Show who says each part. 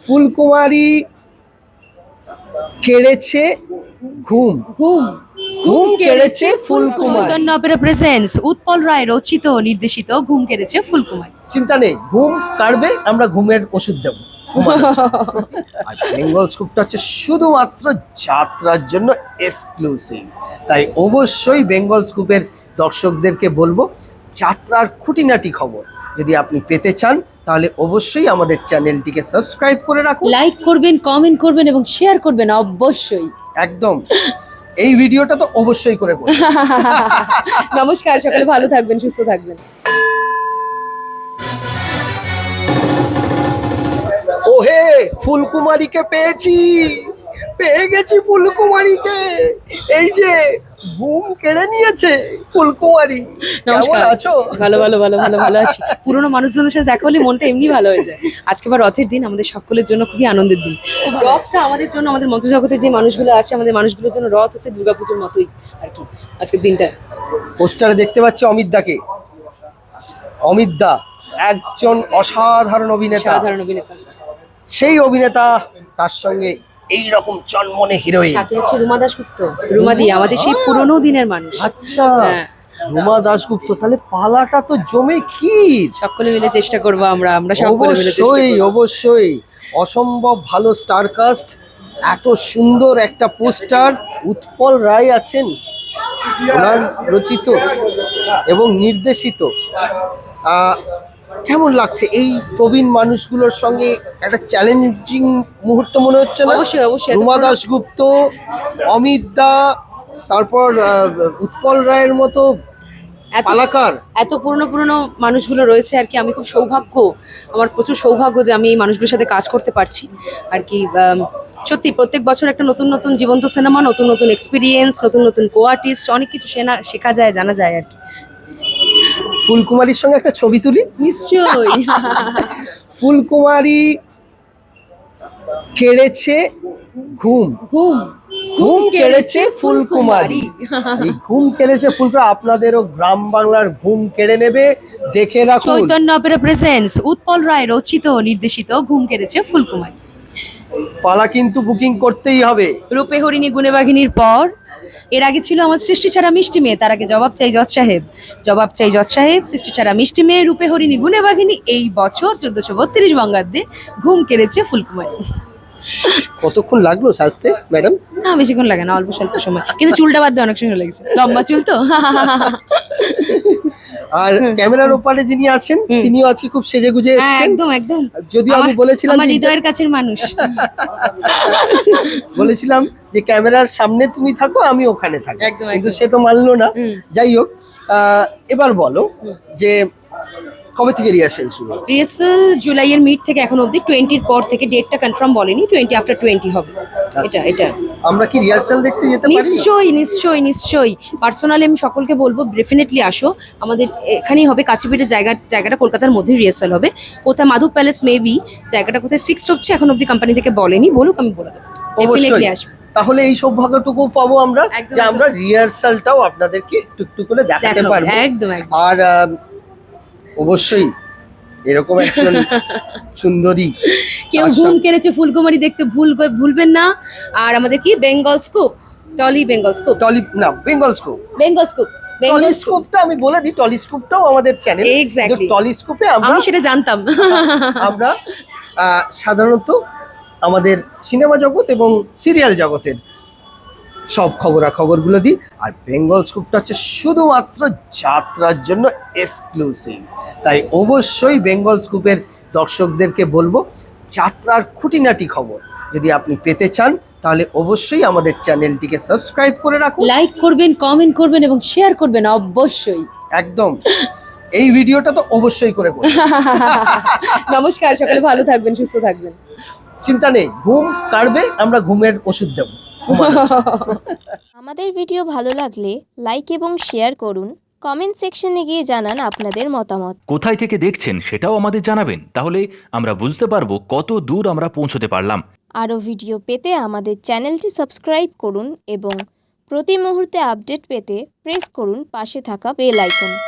Speaker 1: ফুলকুমারী কেড়েছে ঘুম।
Speaker 2: ঘুম
Speaker 1: ঘুম কেড়েছে ফুলকুমারী।
Speaker 2: চৈতন্য অপেরা প্রেজেন্টস উৎপল রায় রচিত ও নির্দেশিত ঘুম কেড়েছে ফুলকুমারী।
Speaker 1: চিন্তা নেই, ঘুম কাটবে, আমরা ঘুমের ওষুধ দেবো। আর বেঙ্গল স্কুপটা হচ্ছে শুধুমাত্র যাত্রার জন্য এক্সক্লুসিভ, তাই অবশ্যই বেঙ্গল স্কুপের দর্শকদেরকে বলবো যাত্রার খুঁটিনাটি খবর যদি আপনি পেতে চান তাহলে অবশ্যই আমাদের চ্যানেলটিকে সাবস্ক্রাইব করে রাখুন,
Speaker 2: লাইক করবেন, কমেন্ট করবেন এবং শেয়ার করবেন অবশ্যই।
Speaker 1: একদম এই ভিডিওটা তো অবশ্যই করে করবেন।
Speaker 2: নমস্কার, সকলে ভালো থাকবেন, সুস্থ থাকবেন।
Speaker 1: ওহে, ফুলকুমারীকে পেয়ে গেছি ফুলকুমারীকে। এই যে ঘুম কেড়ে নিয়েছে ফুলকুমারী। কেমন আছো?
Speaker 2: ভালো ভালো ভালো ভালো ভালো আছি। পুরোনো মানুষজনের সাথে দেখা হলে মনটা এমনি ভালো হয়ে যায়। আজকে আবার রথের দিন, আমাদের সকলের জন্য খুবই আনন্দের দিন। রথটা আমাদের জন্য, আমাদের মঞ্চ জগতে যে মানুষগুলো আছে, আমাদের মানুষগুলোর জন্য রথ হচ্ছে দুর্গাপুজোর মতোই আর কি আজকের দিনটা।
Speaker 1: পোস্টারে দেখতে পাচ্ছি অমিত দা একজন অসাধারণ অভিনেতা।
Speaker 2: সাধারণ অভিনেতা,
Speaker 1: সেই অভিনেতা, তার সঙ্গে এই রকম চনমনে হিরোইন।
Speaker 2: সাথে আছে রুমা দাশগুপ্ত। রুমাদি আমাদের সেই পুরোনো দিনের মানুষ।
Speaker 1: আচ্ছা,
Speaker 2: হ্যাঁ।
Speaker 1: রুমা দাশগুপ্ত, তাহলে পালাটা তো জমে ক্ষীর।
Speaker 2: সকলে মিলে চেষ্টা করবো, আমরা সকলে মিলে চেষ্টা
Speaker 1: অবশ্যই
Speaker 2: করবো।
Speaker 1: অবশ্যই অসম্ভব ভালো স্টার কাস্ট, এত সুন্দর একটা পোস্টার। উৎপল রায় আছেন, ওনার রচিত এবং নির্দেশিত। কেমন লাগছে এই প্রবীণ মানুষগুলোর সঙ্গে একটা চ্যালেঞ্জিং মুহূর্ত মনে হচ্ছে না?
Speaker 2: অবশ্যই অবশ্যই।
Speaker 1: রুমা দাশগুপ্ত, অমিত দা, তারপর উৎপল রায়ের মতো পালাকার,
Speaker 2: এত পুরনো মানুষগুলো রয়েছে আর কি। আমি খুব আমার প্রচুর সৌভাগ্য যে আমি এই মানুষগুলোর সাথে কাজ করতে পারছি আর কি। সত্যি প্রত্যেক বছর একটা নতুন নতুন জীবন্ত সিনেমা, নতুন নতুন এক্সপিরিয়েন্স, নতুন নতুন কো আর্টিস্ট, অনেক কিছু শেখা যায়, জানা যায় আর কি।
Speaker 1: ফুলকুমারীর সঙ্গে একটা ছবি তুলি।
Speaker 2: নিশ্চয়ই।
Speaker 1: ফুলকুমারী কেড়েছে ঘুম। ঘুম কেড়েছে ফুলকুমারী। এই ঘুম কেড়েছে ফুলকুমারী আপনাদেরও গ্রাম বাংলার ঘুম কেড়ে নেবে, দেখে রাখুন।
Speaker 2: চৈতন্য অপেরা প্রেজেন্টস উৎপল রায় রচিত ও নির্দেশিত ঘুম কেড়েছে ফুলকুমারী।
Speaker 1: পালা কিন্তু বুকিং করতেই হবে।
Speaker 2: রূপে হরিণী গুণে বাঘিনীর পর এর আগে ছিল আমার সৃষ্টি ছাড়া মিষ্টি মেয়ে, তার আগে জবাব চাই জজ সাহেব, সৃষ্টি ছাড়া মিষ্টি মেয়ে, রূপে হরিণী গুণে বাঘিনী। এই বছর 1432 বঙ্গাব্দে ঘুম কেড়েছে ফুলকুমারী।
Speaker 1: কতক্ষণ লাগলো সাজতে ম্যাডাম?
Speaker 2: না, বেশিক্ষণ লাগে না, অল্প স্বল্প সময়, কিন্তু চুলটা বাদ দিয়ে অনেক সময় লেগেছে, লম্বা চুল তো।
Speaker 1: আর ক্যামেরার ওপারে যিনি আছেন তিনিও আজকে খুব সেজেগুজে এসেছেন।
Speaker 2: একদম একদম।
Speaker 1: যদিও আমি বলেছিলাম
Speaker 2: আমার হৃদয়ের কাছের মানুষ।
Speaker 1: বলেছিলাম যে ক্যামেরার সামনে তুমি থাকো, আমি ওখানে থাকি, কিন্তু সে তো মানলো না। যাই হোক, এবার বলো যে কবে থেকে রিহার্সেল শুরু হচ্ছে?
Speaker 2: রিহার্সেল জুলাইয়ের মিড থেকে এখন অবধি, 20 পর থেকে, ডেটটা কনফার্ম বলেনি, 20 after 20 হবে। এটা
Speaker 1: আমরা কি রিহার্সেল দেখতে যেতে পারি?
Speaker 2: নিশ্চয়ই। পার্সোনালি আমি সকলকে বলবো ডেফিনেটলি আসো। আমাদের এখানেই হবে, কাছেপিঠের জায়গাটা কলকাতার মধ্যে রিহার্সেল হবে। কোথায়? Madhav palace maybe. জায়গাটা কোথায় ফিক্সড হচ্ছে এখন অবধি, কোম্পানি থেকে বলেনি, বলুক, আমি বলে দেবো। ডেফিনেটলি আসবে।
Speaker 1: তাহলে এই সৌভাগ্যটুকু পাবো আমরা যে আমরা রিহার্সালটাও আপনাদেরকে একটু করে দেখাতে পারবো।
Speaker 2: একদম।
Speaker 1: আর অবশ্যই এরকম একজন সুন্দরী
Speaker 2: কেউ ঘুম কেড়েছে ফুলকুমারী দেখতে ভুলবেন না। আর আমাদের কি বেঙ্গল স্কুপ, বেঙ্গল
Speaker 1: স্কুপটা আমি বলে দিই, টলিস্কোপটাও আমাদের চ্যানেল।
Speaker 2: এক্স্যাক্টলি।
Speaker 1: টলিস্কোপে
Speaker 2: আমি সেটা জানতাম।
Speaker 1: আমরা সাধারণত আমাদের সিনেমা জগৎ এবং সিরিয়াল জগতের সব খবরাখবরগুলো দিই। আর বেঙ্গল স্কুপটা হচ্ছে শুধুমাত্র যাত্রার জন্য এক্সক্লুসিভ, তাই অবশ্যই বেঙ্গল স্কুপের দর্শকদেরকে বলবো যাত্রার খুঁটিনাটি খবর যদি আপনি পেতে চান তাহলে অবশ্যই আমাদের চ্যানেলটিকে সাবস্ক্রাইব করে রাখুন,
Speaker 2: লাইক করবেন, কমেন্ট করবেন এবং শেয়ার করবেন অবশ্যই।
Speaker 1: একদম এই ভিডিওটা তো অবশ্যই করে করবেন।
Speaker 2: নমস্কার, সকলে ভালো থাকবেন, সুস্থ থাকবেন।
Speaker 1: চিন্তা নেই, ঘুম কাটবে, আমরা ঘুমের ওষুধ দেবো।
Speaker 3: আমাদের ভিডিও ভালো লাগলে লাইক এবং শেয়ার করুন, কমেন্ট সেকশনে গিয়ে জানান আপনাদের মতামত।
Speaker 4: কোথায় থেকে দেখছেন সেটাও আমাদের জানাবেন, তাহলে আমরা বুঝতে পারবো কত দূর আমরা পৌঁছতে পারলাম।
Speaker 3: আরও ভিডিও পেতে আমাদের চ্যানেলটি সাবস্ক্রাইব করুন এবং প্রতি মুহূর্তে আপডেট পেতে প্রেস করুন পাশে থাকা বেল আইকন।